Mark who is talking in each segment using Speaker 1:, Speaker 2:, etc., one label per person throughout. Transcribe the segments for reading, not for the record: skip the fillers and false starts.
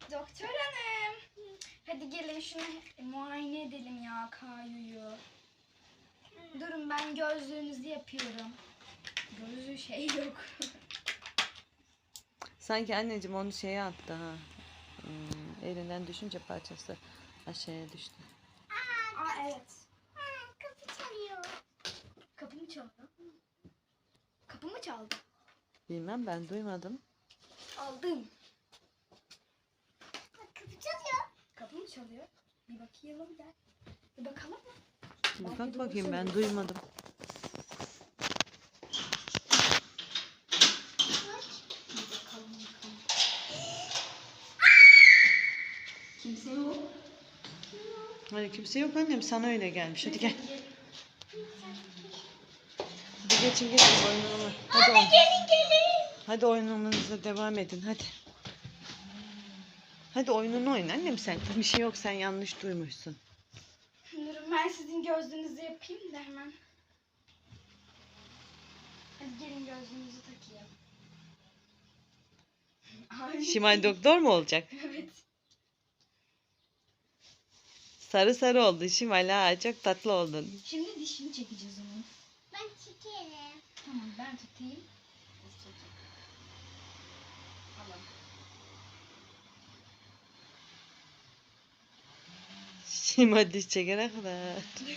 Speaker 1: Doktor hanım. Hadi gelin şunu muayene edelim ya Kayu'yu. Durun ben gözlüğünüzü yapıyorum. Gözlüğü şey yok.
Speaker 2: Sanki anneciğim onu şeye attı ha. Elinden düşünce parçası aşağıya düştü.
Speaker 1: Aa evet.
Speaker 3: Kapı çalıyor.
Speaker 1: Kapı mı çaldı? Kapı mı çaldı?
Speaker 2: Bilmem, ben duymadım.
Speaker 1: Aldım.
Speaker 3: Kapı çalıyor.
Speaker 1: Kapı mı çalıyor? Bir bakayım gel. Bir bakalım mı?
Speaker 2: Bir
Speaker 1: Belki
Speaker 2: bak
Speaker 1: doğru
Speaker 2: bakayım, ben
Speaker 1: söylüyorsun.
Speaker 2: duymadım.
Speaker 1: Bir bakalım. Kimse yok.
Speaker 2: Hani kimse yok annem, sana öyle gelmiş. Hadi gel. Hadi geçin oyununu. Hadi oyun. Hadi oyununuza devam edin hadi. Hadi oyununu oyna annem sen. Bir şey yok, sen yanlış duymuşsun.
Speaker 1: Durun ben sizin gözlüğünüzü yapayım da hemen. Hadi gelin gözlüğünüzü takayım. Ay.
Speaker 2: Şimal doktor mu olacak?
Speaker 1: Evet.
Speaker 2: Sarı sarı oldu Şimal, ha çok tatlı oldun.
Speaker 1: Şimdi dişini çekeceğiz onun.
Speaker 3: Ben çekerim.
Speaker 1: Tamam ben tutayım. Tamam.
Speaker 2: Şimal diş çekene kadar.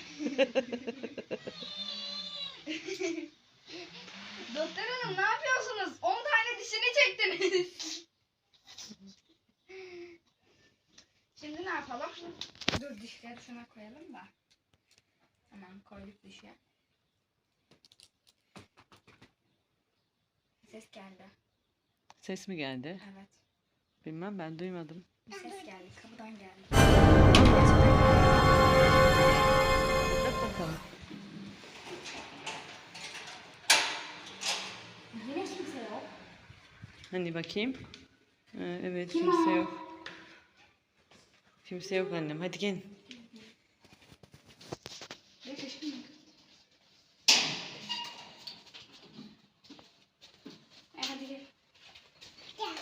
Speaker 1: Doktor hanım ne yapıyorsunuz? 10 tane dişini çektiniz. Şimdi ne yapalım? Dur dişleri şuna koyalım da. Tamam koyduk dişe. Ses geldi.
Speaker 2: Ses mi geldi?
Speaker 1: Evet.
Speaker 2: Bilmem, ben duymadım.
Speaker 1: Bir ses geldi. Kapıdan geldi.
Speaker 2: Bak bakalım.
Speaker 1: Yine kimse yok.
Speaker 2: Hani bakayım. Evet,
Speaker 1: Kim
Speaker 2: kimse
Speaker 1: o?
Speaker 2: yok. Kimse yok annem. Hadi gel.
Speaker 1: Beş aşkım yok. Hadi gel.
Speaker 3: Gel.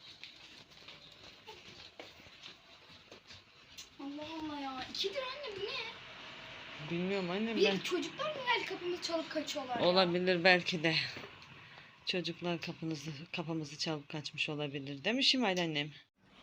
Speaker 1: Allah Allah ya. 2 lira anne bu ne?
Speaker 2: Bilmiyorum annem,
Speaker 1: Bir
Speaker 2: ben.
Speaker 1: çocuklar mı geldi kapımızı çalıp kaçıyorlar ya?
Speaker 2: Olabilir belki de. Çocuklar kapımızı çalıp kaçmış olabilir. Değil mi Şimal annem?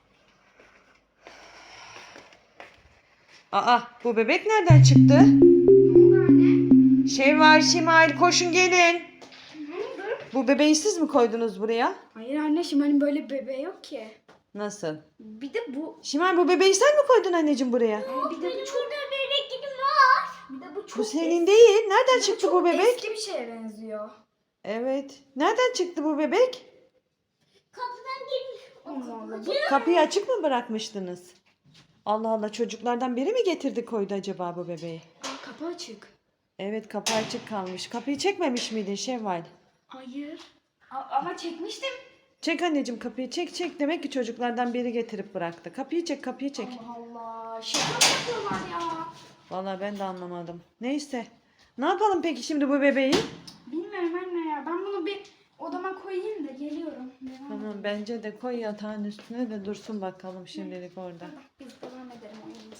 Speaker 2: Aa, bu bebek nereden çıktı?
Speaker 1: Ne oldu anne?
Speaker 2: Şey var Şimal, koşun gelin.
Speaker 1: Ne oldu?
Speaker 2: Bu bebeği siz mi koydunuz buraya?
Speaker 1: Hayır anne Şimal'in böyle bir bebeği yok ki.
Speaker 2: Nasıl?
Speaker 1: Bir de bu.
Speaker 2: Şimal, bu bebeği sen mi koydun anneciğim buraya?
Speaker 1: Bir de bu çok.
Speaker 3: Burada bebeklerim var.
Speaker 1: Bir de bu çok.
Speaker 2: Bu senin değil. Nereden çıktı
Speaker 1: çok
Speaker 2: bu bebek?
Speaker 1: eski bir şeye benziyor.
Speaker 2: Evet. Nereden çıktı bu bebek?
Speaker 3: Kapıdan girmiş.
Speaker 1: Allah Allah. Bu
Speaker 2: Kapıyı açık mı bırakmıştınız? Allah Allah, çocuklardan biri mi getirdi koydu acaba bu bebeği?
Speaker 1: kapı açık.
Speaker 2: Evet, kapı açık kalmış. Kapıyı çekmemiş miydin Şevval?
Speaker 1: Hayır. Ama çekmiştim.
Speaker 2: Çek anneciğim, kapıyı çek. Demek ki çocuklardan biri getirip bıraktı. Kapıyı çek.
Speaker 1: Allah Allah. Şaka mı yapıyorlar ya?
Speaker 2: Vallahi ben de anlamadım. Neyse. Ne yapalım peki şimdi bu bebeği?
Speaker 1: Bilmiyorum anne ya. Ben bunu bir odama koyayım da geliyorum.
Speaker 2: Tamam, bence de koy yatağın üstüne de dursun bakalım şimdilik orada.
Speaker 1: Biz devam edelim oyunumuza.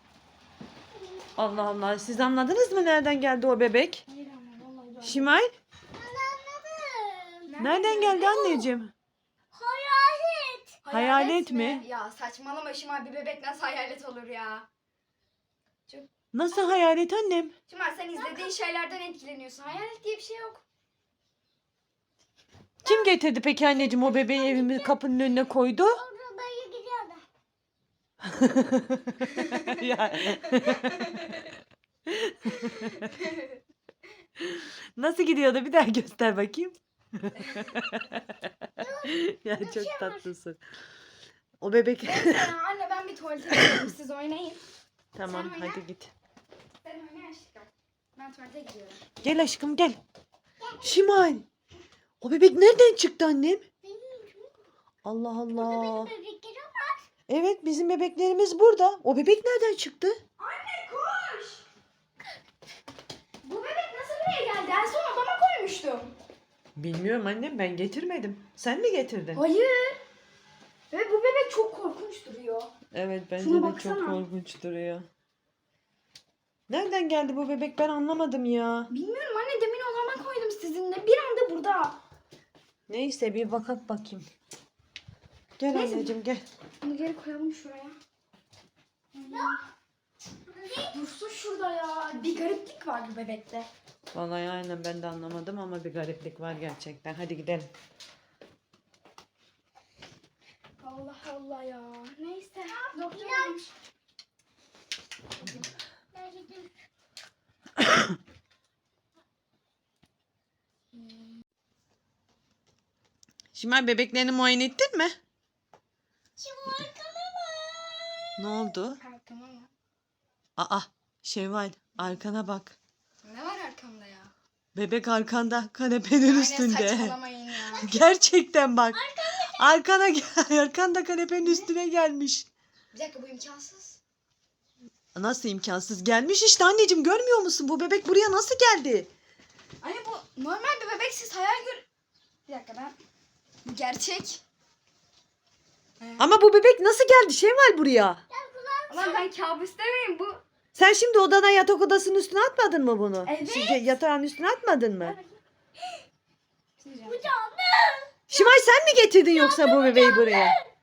Speaker 2: Allah Allah, siz anladınız mı nereden geldi o bebek?
Speaker 1: Hayır anne vallahi ben.
Speaker 2: Şimal,
Speaker 3: Anladım.
Speaker 2: nereden geldi anneciğim?
Speaker 3: Hayalet.
Speaker 2: Hayalet mi?
Speaker 1: Ya saçmalama Şimal, bir bebek nasıl hayalet olur ya?
Speaker 2: Nasıl hayalet annem?
Speaker 1: Şimal sen izlediğin şeylerden etkileniyorsun. Hayalet diye bir şey yok.
Speaker 2: Kim getirdi peki anneciğim o bebeği evimin kapının önüne koydu?
Speaker 3: Orada dayı gidiyor da.
Speaker 2: Ya. Nasıl gidiyordu, bir daha göster bakayım. Ya çok tatlısın. O bebek.
Speaker 1: Neyse ya anne ben bir tuvalete gidiyorum. Siz oynayın.
Speaker 2: Tamam,
Speaker 1: Sen oyna.
Speaker 2: hadi git.
Speaker 1: Sen oyna aşkım. Ben tuvalete gidiyorum.
Speaker 2: Gel aşkım gel. Şimal. O bebek nereden çıktı annem? Allah Allah.
Speaker 3: Bebeklerim var.
Speaker 2: Evet, bizim bebeklerimiz burada. O bebek nereden çıktı?
Speaker 1: Anne koş. Bu bebek nasıl buraya geldi? En son odama koymuştum.
Speaker 2: Bilmiyorum annem, ben getirmedim. Sen mi getirdin?
Speaker 1: Hayır. Ve bu bebek çok korkunç duruyor.
Speaker 2: Evet bence
Speaker 1: Şuna
Speaker 2: de
Speaker 1: baksana.
Speaker 2: çok korkunç duruyor. Nereden geldi bu bebek ben anlamadım ya.
Speaker 1: Bilmiyorum anne, demin odama koydum sizinle. Bir anda burada.
Speaker 2: Neyse bir bakak bakayım. Gel
Speaker 1: Neyse.
Speaker 2: anneciğim gel.
Speaker 1: Bunu geri koyalım şuraya. Dursun şurada ya. Bir gariplik var bu bebekte.
Speaker 2: Vallahi aynen ben de anlamadım ama bir gariplik var gerçekten. Hadi gidelim.
Speaker 1: Allah Allah ya. Neyse. Doktor
Speaker 3: İlaç. Ben gideyim.
Speaker 2: Şimal bebeklerini muayene ettin mi?
Speaker 3: Şu arkama bak.
Speaker 2: Ne oldu?
Speaker 1: Arkama mı?
Speaker 2: Aa Şevval arkana bak.
Speaker 1: Ne var arkamda ya?
Speaker 2: Bebek arkanda kanepenin
Speaker 1: Aynen,
Speaker 2: üstünde.
Speaker 1: saçmalamayın ya.
Speaker 2: Gerçekten bak. Arkana gel. Arkanda kanepenin üstüne gelmiş.
Speaker 1: Bir dakika, bu imkansız.
Speaker 2: Nasıl imkansız? Gelmiş işte anneciğim görmüyor musun? Bu bebek buraya nasıl geldi?
Speaker 1: Anne bu normal bir bebek, siz hayal gör... Bir dakika ben... Bu gerçek.
Speaker 2: Ama bu bebek nasıl geldi Şevval buraya?
Speaker 1: Ama ben kabus demeyim bu.
Speaker 2: Sen şimdi odana yatak odasının üstüne atmadın mı bunu?
Speaker 1: Evet.
Speaker 2: Yatağın üstüne atmadın mı?
Speaker 3: Bu canım.
Speaker 2: Şimay sen mi getirdin yoksa bu bebeği buraya?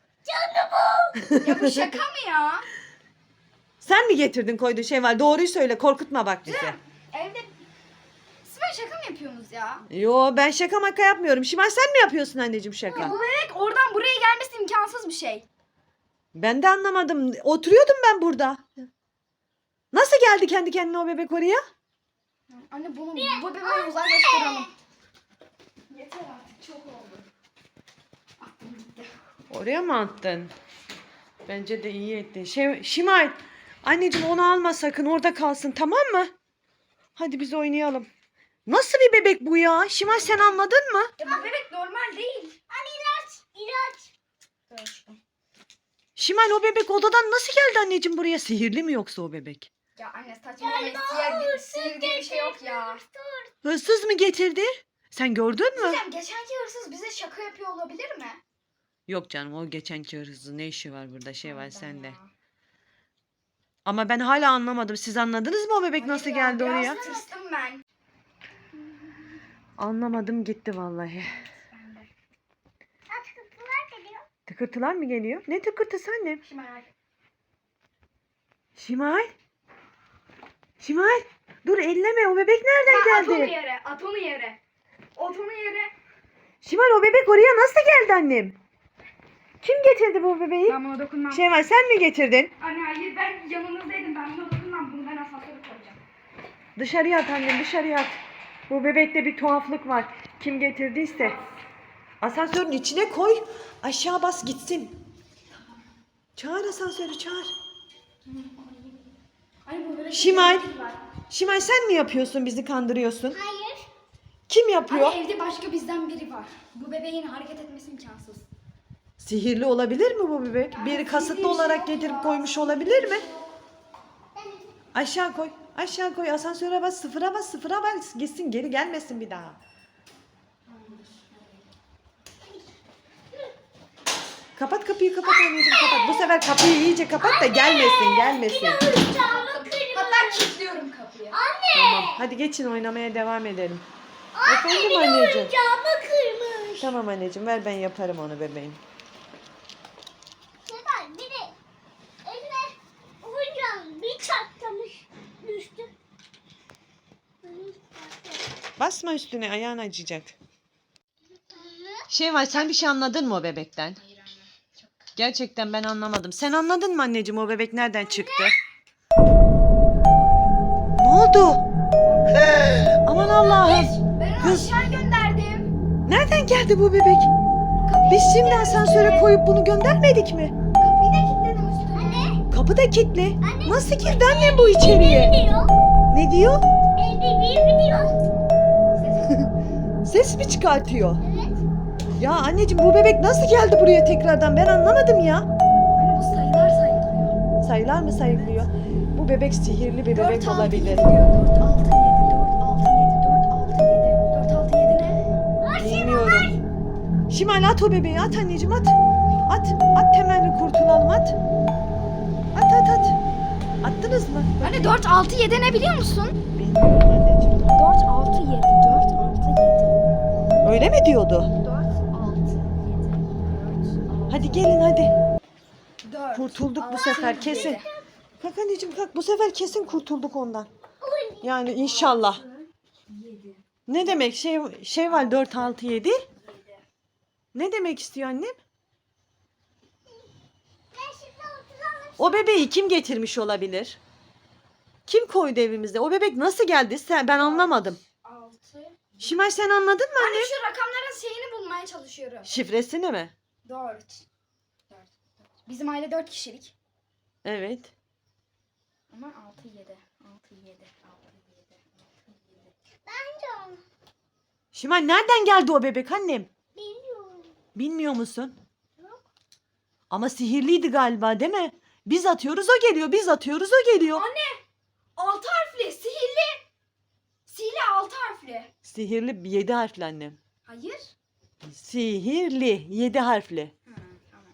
Speaker 1: Ya bu şaka mı ya?
Speaker 2: Sen mi getirdin koydun Şevval? Doğruyu söyle korkutma bak bizi.
Speaker 1: Evde... Siz böyle şaka mı yapıyorsunuz ya?
Speaker 2: Yo ben şaka maka yapmıyorum. Şimay sen mi yapıyorsun anneciğim şaka?
Speaker 1: Bu bebek oradan buraya gelmesi imkansız bir şey.
Speaker 2: Ben de anlamadım. Oturuyordum ben burada. Nasıl geldi kendi kendine o bebek oraya?
Speaker 1: Anne bunu bu bebeği uzaklaştıralım. Yeter artık, çok oldu. Aklım gitti.
Speaker 2: Oraya mı attın? Bence de iyi ettin. Şimay anneciğim onu alma sakın orada kalsın tamam mı? Hadi biz oynayalım. Nasıl bir bebek bu ya? Şimay sen anladın mı?
Speaker 1: Ya bu bebek normal değil.
Speaker 3: Anne ilaç. İlaç.
Speaker 1: Dur aşkım.
Speaker 2: Şimay o bebek odadan nasıl geldi anneciğim buraya? Sihirli mi yoksa o bebek?
Speaker 1: Ya anne saçmalama, sihir diye bir şey yok ya.
Speaker 2: Hırsız mı getirdi? Sen gördün mü?
Speaker 1: Diyeceğim, geçenki hırsız bize şaka yapıyor olabilir mi?
Speaker 2: Yok canım o geçenki hırsızın ne işi var burada şey var
Speaker 1: Allah'ım
Speaker 2: sende.
Speaker 1: ya.
Speaker 2: Ama ben hala anlamadım. Siz anladınız mı o bebek
Speaker 1: Hayır
Speaker 2: nasıl
Speaker 1: ya,
Speaker 2: geldi
Speaker 1: biraz
Speaker 2: oraya?
Speaker 1: tırstım ben.
Speaker 2: Anlamadım gitti vallahi.
Speaker 1: Ben de.
Speaker 3: Aç kapılar geliyor.
Speaker 2: Tıkırtılar mı geliyor? Ne tıkırtısı annem?
Speaker 1: Şimdi merak ettim.
Speaker 2: Şimal. Şimal. Dur elleme o bebek nereden
Speaker 1: At onu
Speaker 2: geldi?
Speaker 1: yere, at onu yere. At onu yere.
Speaker 2: Şimal o bebek oraya nasıl geldi annem? Kim getirdi bu bebeği?
Speaker 1: Ben buna dokunmam.
Speaker 2: Şevval sen mi getirdin?
Speaker 1: Anne hayır, ben yanınızdaydım, ben buna dokunmam. Bunu ben asansöre koyacağım.
Speaker 2: Dışarıya at annem dışarıya at. Bu bebekte bir tuhaflık var. Kim getirdiyse. Asansörün içine koy. Aşağı bas gitsin. Çağır asansörü çağır.
Speaker 1: Anne bu böyle
Speaker 2: Şimal.
Speaker 1: bir var.
Speaker 2: Şimal sen mi yapıyorsun bizi kandırıyorsun?
Speaker 3: Hayır.
Speaker 2: Kim yapıyor?
Speaker 1: Anne evde başka bizden biri var. Bu bebeğin hareket etmesi imkansız.
Speaker 2: Sihirli olabilir mi bu bebek? Biri
Speaker 1: sihirli bir
Speaker 2: kasıtlı
Speaker 1: şey
Speaker 2: olarak
Speaker 1: yok
Speaker 2: getirip
Speaker 1: ya.
Speaker 2: koymuş olabilir mi? Aşağı koy. Aşağı koy. Asansöre bas. Sıfıra bas. Sıfıra bas. Gitsin geri gelmesin bir daha. Kapat kapıyı kapat anneciğim kapat. Bu sefer kapıyı iyice kapat da gelmesin gelmesin.
Speaker 3: Camı kırmızı.
Speaker 1: Hatta kilitliyorum kapıyı.
Speaker 2: Tamam. Hadi geçin oynamaya devam edelim. Efendim
Speaker 3: Biliyorum,
Speaker 2: anneciğim.
Speaker 3: camı kırmış.
Speaker 2: Tamam anneciğim ver ben yaparım onu bebeğim.
Speaker 3: Sefer bir de eline hocam bir çatlamış düştü.
Speaker 2: Basma üstüne ayağın acıyacak. Şevval sen bir şey anladın mı o bebekten?
Speaker 1: Hayır anne. Çok.
Speaker 2: Gerçekten ben anlamadım. Sen anladın mı anneciğim o bebek nereden çıktı? Ne oldu? Aman Allah'ım.
Speaker 1: Ben onu
Speaker 2: Kız.
Speaker 1: aşağı gönderdim.
Speaker 2: Nereden geldi bu bebek? Biz şimdi asansöre koyup bunu göndermedik mi?
Speaker 1: Kapıyı da kilitledim üstüne.
Speaker 3: Anne.
Speaker 2: Kapı da kilitli. Nasıl girdi annem bu içeriye?
Speaker 3: Biliyor.
Speaker 2: Ne diyor?
Speaker 3: Biliyor.
Speaker 2: Ses mi çıkartıyor?
Speaker 3: Evet.
Speaker 2: Ya anneciğim bu bebek nasıl geldi buraya tekrardan? Ben anlamadım ya.
Speaker 1: Anne bu sayılar sayılıyor.
Speaker 2: Sayılar mı sayılıyor? Bu bebek sihirli bir
Speaker 1: 4,
Speaker 2: bebek
Speaker 1: 6, 7
Speaker 2: olabilir.
Speaker 1: diyor. 4, 6, 7, 4, 6, 7, 4, 6, 7. 4, 6, 7 ne?
Speaker 2: Bilmiyorum. Şimal at o bebeği at anneciğim at. At. At temelli kurtulalım at. At at at. Attınız mı?
Speaker 1: Anne 4, 6, 7 ne biliyor musun?
Speaker 2: Bilmiyorum anneciğim.
Speaker 1: 4, 6, 7. 4, 6, 7.
Speaker 2: Öyle mi diyordu?
Speaker 1: 4, 6, 7.
Speaker 2: Hadi gelin hadi.
Speaker 1: 4.
Speaker 2: Kurtulduk bu sefer kesin. Kalk anneciğim kalk. Bu sefer kesin kurtulduk ondan. Yani inşallah.
Speaker 1: 7.
Speaker 2: Ne demek şey var 4 6 7? Ne demek istiyor annem?
Speaker 3: Ben şimdi oturalım.
Speaker 2: O bebeği kim getirmiş olabilir? Kim koydu evimizde? O bebek nasıl geldi? Ben anlamadım.
Speaker 1: 6.
Speaker 2: Şimal sen anladın mı
Speaker 1: Anne
Speaker 2: anne?
Speaker 1: şu rakamların şeyini bulmaya çalışıyorum.
Speaker 2: Şifresini mi?
Speaker 1: 4. Bizim aile 4 kişilik.
Speaker 2: Evet.
Speaker 1: Ama 6, 7. 6, 7. 6, 7.
Speaker 3: Bence onu.
Speaker 2: Şimal nereden geldi o bebek annem?
Speaker 3: Bilmiyorum.
Speaker 2: Bilmiyor musun?
Speaker 3: Yok.
Speaker 2: Ama sihirliydi galiba değil mi? Biz atıyoruz o geliyor. Biz atıyoruz o geliyor.
Speaker 1: Anne 6 harfli sihirli. Sihirli 6 harfli.
Speaker 2: Sihirli 7 harfli annem.
Speaker 1: Hayır.
Speaker 2: Sihirli 7 harfli.
Speaker 1: Tamam.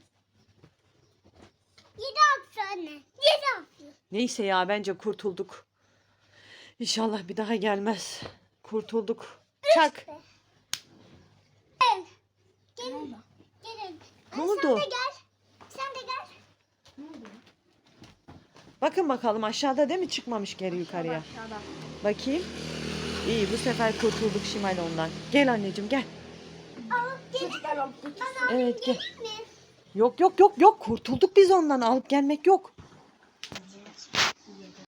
Speaker 3: 7 hafta anne. 7 hafta.
Speaker 2: Neyse ya bence kurtulduk. İnşallah bir daha gelmez. Kurtulduk. Çak.
Speaker 3: Gel.
Speaker 1: Ne oldu?
Speaker 3: Gelin.
Speaker 2: Ne
Speaker 3: Sen
Speaker 2: oldu?
Speaker 3: de gel. Sen de gel.
Speaker 1: Ne oldu?
Speaker 2: Bakın bakalım aşağıda değil mi çıkmamış geri yukarıya.
Speaker 1: Aşağıda.
Speaker 2: Bakayım. İyi bu sefer kurtulduk Şimal ondan. Gel anneciğim gel.
Speaker 3: Alıp gelin.
Speaker 1: Çocuklar alıp
Speaker 3: Bana
Speaker 2: Evet gel.
Speaker 3: mi?
Speaker 2: Yok kurtulduk biz ondan alıp gelmek yok.